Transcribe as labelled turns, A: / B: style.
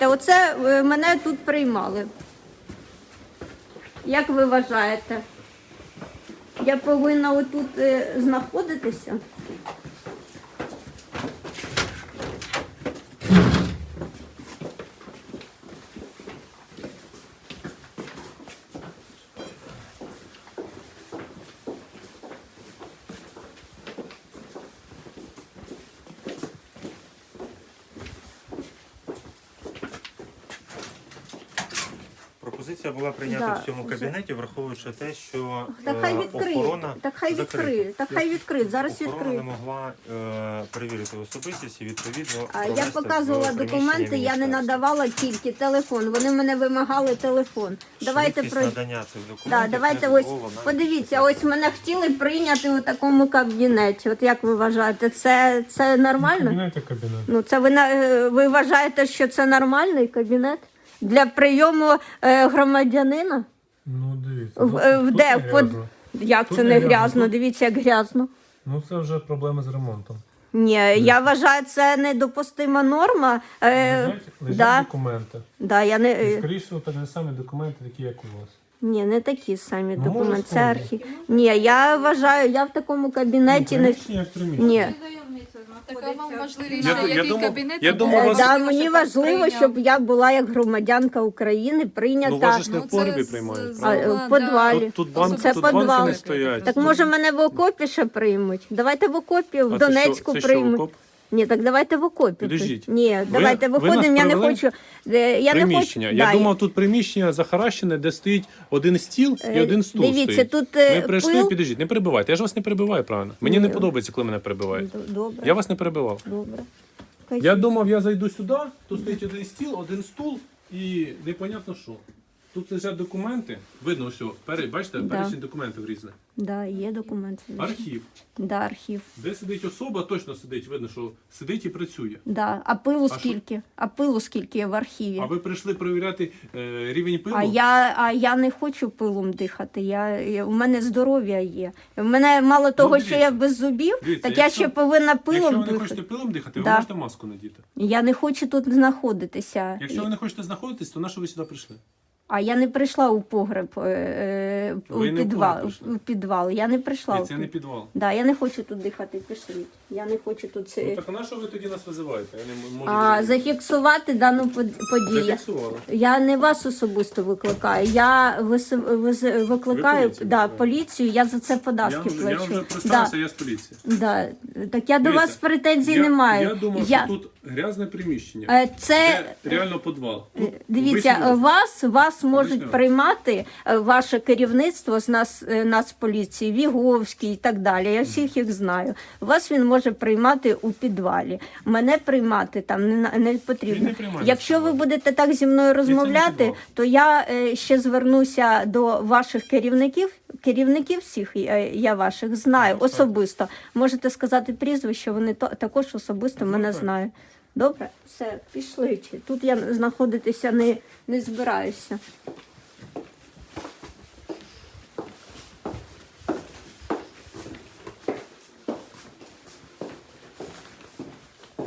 A: Та оце мене тут приймали. Як ви вважаєте? Я повинна отут знаходитися?
B: Пропозиція була прийнята
A: Да,
B: в цьому кабінеті, враховуючи те, що
A: Так хай відкриє.
B: охорона
A: Так хай відкриє. Так хай відкриє. Зараз
B: охорона
A: відкриє.
B: не могла перевірити особистість і відповідно
A: А я
B: провести
A: показувала
B: в
A: документи,
B: приміщенні
A: я не
B: міністерства.
A: надавала тільки телефон. Вони мене вимагали телефон. Давайте
B: Швидкість
A: про
B: надання цих
A: да,
B: документів
A: давайте
B: не
A: ось
B: дозволена.
A: подивіться, ось мене хотіли прийняти у такому кабінеті. От як ви вважаєте, це нормально?
C: Кабінет.
A: Ну це ви вважаєте, що це нормальний кабінет для прийому громадянина?
C: Ну, дивіться.
A: Де? Як
C: Тут
A: це
C: не
A: не
C: грязно,
A: грязно?
C: тут-
A: Дивіться, як грязно.
C: Ну, це вже проблеми з ремонтом.
A: Ні, я вважаю, це недопустима норма.
C: Лежать
A: Да,
C: документи.
A: да, я
C: І,
A: не,
C: скоріше, всього, так не самі документи, такі, як у вас.
A: ні, не такі самі
C: Ну,
A: документи,
C: може,
A: це
C: схожі.
A: архів. Ні, я вважаю, я в такому кабінеті не...
C: Приміщення як приміщення.
A: Ні.
D: Така вам важливіше,
C: Я
D: який
C: думав-
D: кабінет?
C: я
D: ви
C: думав,
D: думаєте,
C: вас-
A: Да,
D: що
A: мені
D: так
A: важливо,
D: прийняв?
A: щоб я була як громадянка України, прийнята.
C: Ну, вас ж не в
D: Ну, це
C: погребі
D: з-
C: приймають,
D: з-
C: правда?
A: в підвалі.
C: Тут
A: Це
C: банки
A: підвал.
C: не стоять.
A: Так може мене в окопі ще приймуть? Давайте в окопі, в
C: А це
A: Донецьку
C: що, це що,
A: приймуть.
C: окоп?
A: Ні, так давайте в окопі.
C: Підождіть.
A: Ні, давайте
C: ви нас
A: виходимо, я не
C: провели?
A: хочу. Я
C: Приміщення.
A: Не хочу.
C: Я
A: Да,
C: думав, тут приміщення захаращене, де стоїть один стіл і один стул
A: дивіться,
C: стоїть.
A: тут,
C: Ми прийшли,
A: пил.
C: підождіть, не перебивайте. Я ж вас не перебиваю, правильно? Мені не подобається, коли мене перебивають.
A: Добре.
C: Я вас не перебивав.
A: Добре.
C: Я думав, я зайду сюди, тут стоїть один стіл, один стул і непонятно що. Тут лежать документи, видно все, бачите,
A: Да.
C: перечень документів різних.
A: Да, є документи.
C: Архів,
A: Да, архів.
C: де сидить особа, точно сидить, видно, що сидить і працює.
A: Да. А пилу
C: що?
A: скільки? А пилу скільки є в архіві?
C: А ви прийшли перевіряти рівень пилу?
A: А я не хочу пилом дихати. У мене здоров'я є. У мене мало того, що я
C: дивіться.
A: без зубів,
C: Дивіться,
A: так я
C: якщо-
A: ще повинна
C: Якщо
A: пилом
C: ви не
A: дихати.
C: хочете пилом дихати,
A: Да.
C: ви можете маску надіти.
A: Я не хочу тут знаходитися.
C: Якщо ви не хочете знаходитись, то на що ви сюди прийшли?
A: А я не прийшла у погреб, у
C: Ви не в
A: підвал.
C: погреб прийшли?
A: У підвал. Я не прийшла.
C: І
A: у
C: це не підвал.
A: Да, я не хочу тут дихати, пішліть. Я не хочу тут це.
C: Ну так а на що ви тоді нас визиваєте? Я не можу
A: А
C: зрозуміти.
A: зафіксувати дану подію.
C: Зафіксували.
A: Я не вас особисто викликаю. Я викликаю
C: поліцію
A: да,
C: викликаєте?
A: поліцію, я за це податки
C: Я
A: плачу.
C: вже представився, я з поліції.
A: Да. Так я до
C: Дивіться,
A: вас претензій не маю.
C: Я думав, що тут грязне приміщення.
A: Це
C: Це реально підвал. Тут
A: дивіться,
C: обичний-
A: вас можуть
C: Обичний офіс.
A: приймати ваше керівництво з Нацполіції, Віговський і так далі. Я всіх їх знаю. Вас він може приймати у підвалі. Мене приймати там не потрібно.
C: Він не приймає
A: Якщо
C: в
A: ви
C: підвалі.
A: будете так зі мною розмовляти,
C: підвал.
A: то я ще звернуся до ваших керівників. Керівників всіх я ваших знаю особисто. Можете сказати прізвище, вони також особисто мене
C: так.
A: знають. Добре, все, пішли. Тут я знаходитися не збираюся.